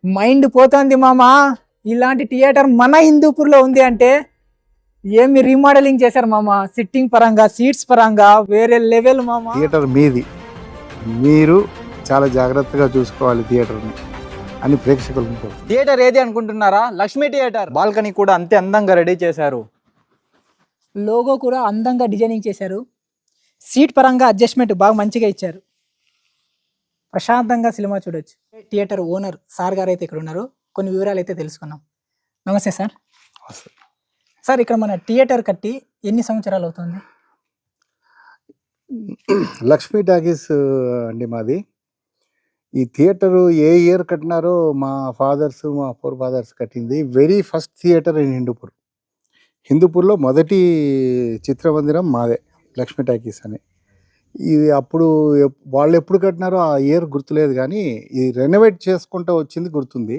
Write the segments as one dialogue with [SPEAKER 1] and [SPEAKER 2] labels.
[SPEAKER 1] Mind పోతుంది మామా. ఇలాంటి థియేటర్ మన హిందూపూర్లో ఉంది అంటే ఏమి రీమోడలింగ్ చేశారు మామా. సిట్టింగ్ పరంగా, సీట్స్ పరంగా వేరే లెవెల్ మామా.
[SPEAKER 2] థియేటర్ మీది, మీరు చాలా జాగ్రత్తగా చూసుకోవాలి థియేటర్ని అని ప్రేక్షకులు.
[SPEAKER 1] థియేటర్ ఏది అనుకుంటున్నారా? లక్ష్మీ థియేటర్. బాల్కనీ కూడా అంతే అందంగా రెడీ చేశారు. లోగో కూడా అందంగా డిజైనింగ్ చేశారు. సీట్ పరంగా అడ్జస్ట్మెంట్ బాగా మంచిగా ఇచ్చారు. ప్రశాంతంగా సినిమా చూడొచ్చు. థియేటర్ ఓనర్ సార్ గారు అయితే ఇక్కడ ఉన్నారు. కొన్ని వివరాలు అయితే తెలుసుకున్నాం. నమస్తే సార్. సార్, ఇక్కడ మన థియేటర్ కట్టి ఎన్ని సంవత్సరాలు అవుతుంది?
[SPEAKER 2] లక్ష్మీ టాకీస్ అండి మాది. ఈ థియేటరు ఏ ఇయర్ కట్టినారో మా ఫాదర్స్, మా ఫోర్ ఫాదర్స్ కట్టింది. Very first theatre in Hindupur. హిందూపూర్లో మొదటి చిత్రమందిరం మాదే, లక్ష్మీ టాకీస్ అని. ఇది అప్పుడు వాళ్ళు ఎప్పుడు కట్టినారో ఆ ఇయర్ గుర్తులేదు, కానీ ఇది రెనోవేట్ చేసుకుంటూ వచ్చింది గుర్తుంది.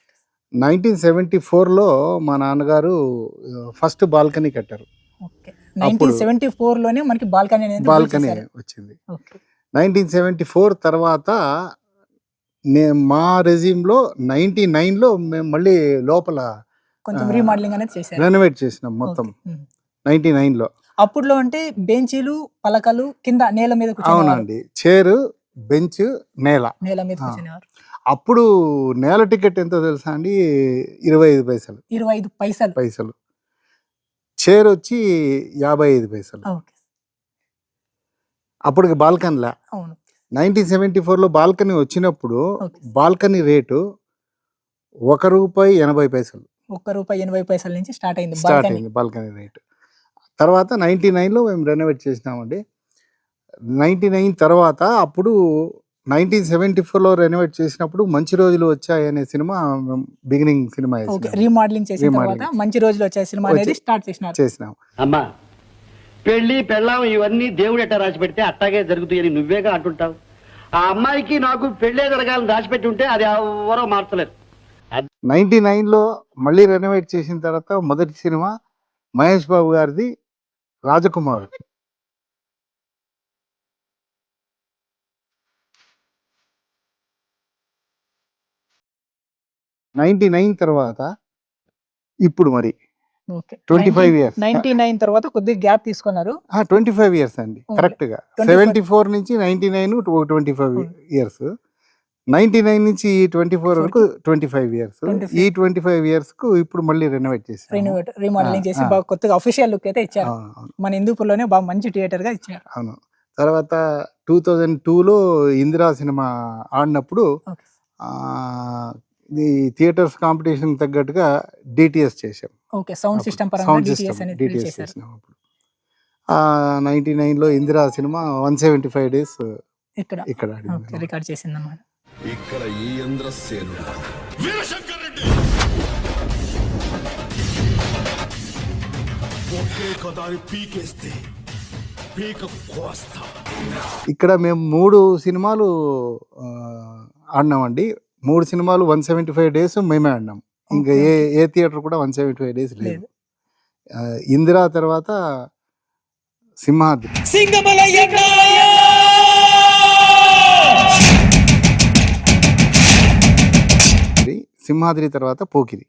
[SPEAKER 2] 1974లో మా నాన్నగారు ఫస్ట్ బాల్కనీ కట్టారు.
[SPEAKER 1] 1974లోనే మనకి బాల్కనీ
[SPEAKER 2] వచ్చింది. 1974 తర్వాత మా రెజ్యూమ్లో 99లో మేము మళ్ళీ లోపల
[SPEAKER 1] కొంచెం రీమోడలింగ్ అనేది చేశారు,
[SPEAKER 2] రెనోవేట్ చేసినాం మొత్తం 99లో.
[SPEAKER 1] అప్పుడులో అంటే బెంచీలు, పలకలు కింద నేల మీద.
[SPEAKER 2] అవునండి, చైర్, బెంచ్, నేల
[SPEAKER 1] మీద కూర్చునేవారు.
[SPEAKER 2] అప్పుడు నేల టికెట్ ఎంతో తెలుసా అండి? 25 పైసలు.
[SPEAKER 1] 25
[SPEAKER 2] పైసలు. చైర్ వచ్చి 55 పైసలు. అప్పటికి బాల్కనీలా. 1974లో బాల్కనీ వచ్చినప్పుడు బాల్కనీ రేటు ₹1.80.
[SPEAKER 1] ₹1.80 నుంచి స్టార్ట్ అయింది
[SPEAKER 2] బాల్కనీ రేటు. తర్వాత 99లో మేము రెనోవేట్ చేసినామండి. 99 తర్వాత అప్పుడు 1974లో రెనోవేట్ చేసినప్పుడు మంచి రోజులు వచ్చాయి అనే సినిమా బిగినింగ్ సినిమా
[SPEAKER 1] రీమోడలింగ్ చేసిన తర్వాత మంచి రోజులు వచ్చాయి సినిమా అనేది స్టార్ట్ చేసినాం.
[SPEAKER 3] అమ్మా, పెళ్లి పెళ్ళాం ఇవన్నీ దేవుడు ఎట్టా రాసి పెడితే అట్టాగే జరుగుతాయని నువ్వేగా అంటుంటావు. ఆ అమ్మాయికి నాకు పెళ్లే జరగాలని రాసిపెట్టి ఉంటే అది ఎవరో మార్చలేరు.
[SPEAKER 2] 99లో మళ్ళీ రెనోవేట్ చేసిన తర్వాత మొదటి సినిమా మహేష్ బాబు గారిది రాజకుమార్. తర్వాత ఇప్పుడు మరి 25 ఇయర్స్.
[SPEAKER 1] 99 తర్వాత కొద్దిగా గ్యాప్ తీసుకున్నారు.
[SPEAKER 2] 25 ఇయర్స్ అండి, కరెక్ట్ గా. 74 నుంచి 99 25 ఇయర్స్. 99 నుంచి 24 వరకు 25 ఇయర్స్. ఈ 25 ఇయర్స్ కు ఇప్పుడు మళ్ళీ రెనోవేట్ చేసి
[SPEAKER 1] రీమోడలింగ్ చేసి బాగా కొత్తగా అఫీషియల్ లుక్ అయితే ఇచ్చారు. మన హిందూపూర్లోనే బాగా మంచి థియేటర్ గా ఇచ్చారు.
[SPEAKER 2] అవును. తర్వాత 2002లో ఇందిరా సినిమా ఆడినప్పుడు ఈ థియేటర్స్ కాంపిటీషన్ తగ్గట్టుగా డిటిఎస్ చేసాం.
[SPEAKER 1] సౌండ్ సిస్టమ్ పరంగా డిటిఎస్
[SPEAKER 2] చేసినాం. అప్పుడు 99లో ఇందిరా సినిమా 175 డేస్ ఇక్కడ
[SPEAKER 1] రికార్డ్ చేసింది అన్నమాట.
[SPEAKER 4] ఇక్కడ ఈ ఇంద్రసేనుడు వీరశంకర్ రెడ్డి ఒకే కదాని పీకేస్తే పీక కోస్తా.
[SPEAKER 2] ఇక్కడ మేము 3 సినిమాలు ఆడినామండి. 3 సినిమాలు 175 డేస్ మేమే ఆడినాం. ఇంకా ఏ థియేటర్ కూడా 175 డేస్ లేదు. ఇందిరా తర్వాత సింహాద్రి. సింహాద్రి తర్వాత పోకిరి.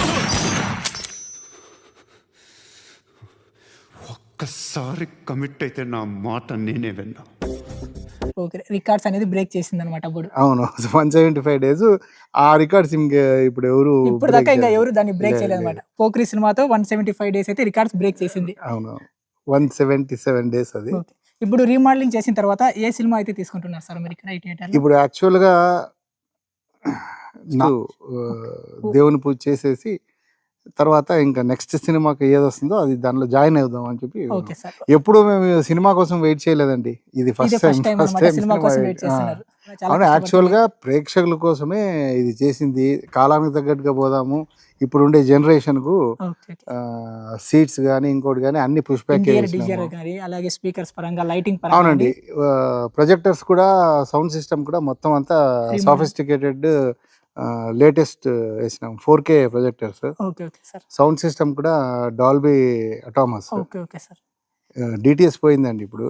[SPEAKER 4] ఒక్కసారి కమిట్ అయితే నా మాట నేనే విన్నా.
[SPEAKER 1] రికార్డ్స్ అనేది బ్రేక్ చేసింది అనమాట అప్పుడు.
[SPEAKER 2] అవును, 175 డేస్. ఆ రికార్డ్స్ ఇప్పుడు
[SPEAKER 1] ఇప్పుడు దాకా ఇంకా ఎవరు దాన్ని బ్రేక్ చేయలేదు అనమాట. పోకిరి సినిమాతో 175 డేస్ అయితే రికార్డ్స్ బ్రేక్ చేసింది.
[SPEAKER 2] అవును, 177 డేస్ అది.
[SPEAKER 1] ఇప్పుడు రీమోడలింగ్ చేసిన తర్వాత ఏ సినిమా అయితే తీసుకుంటున్నారు సార్ మీరు ఇక్కడ ఈ థియేటర్?
[SPEAKER 2] ఇప్పుడు యాక్చువల్ గా దేవుని పూజ చేసేసి తర్వాత ఇంకా నెక్స్ట్ సినిమాకి ఏది వస్తుందో అది దానిలో జాయిన్ అవుదాం అని చెప్పి. ఎప్పుడు మేము సినిమా కోసం వెయిట్ చేయలేదండి, ఇది ఫస్ట్ టైం. అవును, యాక్చువల్ గా ప్రేక్షకుల కోసమే ఇది చేసింది. కాలానికి తగ్గట్టుగా పోదాము, ఇప్పుడు ఉండే జనరేషన్ కు సీట్స్ గానీ ఇంకోటి గానీ అన్ని పుష్ బ్యాక్.
[SPEAKER 1] అలాగే స్పీకర్స్ పరంగా, లైటింగ్
[SPEAKER 2] పరంగా. అవునండి, ప్రొజెక్టర్స్ కూడా, సౌండ్ సిస్టమ్ కూడా మొత్తం అంతా సాఫిస్టికేటెడ్ లేటెస్ట్ వేసినాం. 4K projectors. సౌండ్ సిస్టమ్ కూడా డాల్బీ అటామస్. డిటిఎస్ పోయిందండి ఇప్పుడు,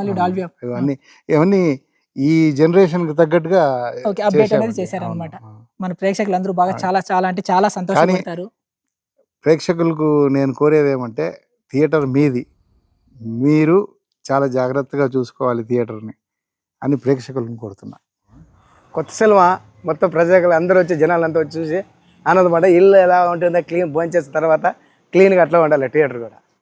[SPEAKER 2] ఇవన్నీ ఈ జనరేషన్ కి తగ్గట్టుగా
[SPEAKER 1] అప్డేట్ అనేది చేశారన్నమాట. మన ప్రేక్షకులు అందరూ బాగా చాలా చాలా అంటే చాలా సంతోషపడతారు.
[SPEAKER 2] ప్రేక్షకులకు నేను కోరేది ఏమంటే థియేటర్ మీది, మీరు చాలా జాగ్రత్తగా చూసుకోవాలి థియేటర్ని అని ప్రేక్షకులను కోరుతున్నా.
[SPEAKER 5] కొత్త సినిమా మొత్తం ప్రజలు అందరూ వచ్చి జనాలంతా వచ్చి చూసి ఆనందపడ్డ. ఇల్లు ఎలా ఉంటుందో క్లీన్ భోంచేసిన తర్వాత క్లీన్గా అట్లా ఉండాలి థియేటర్ కూడా.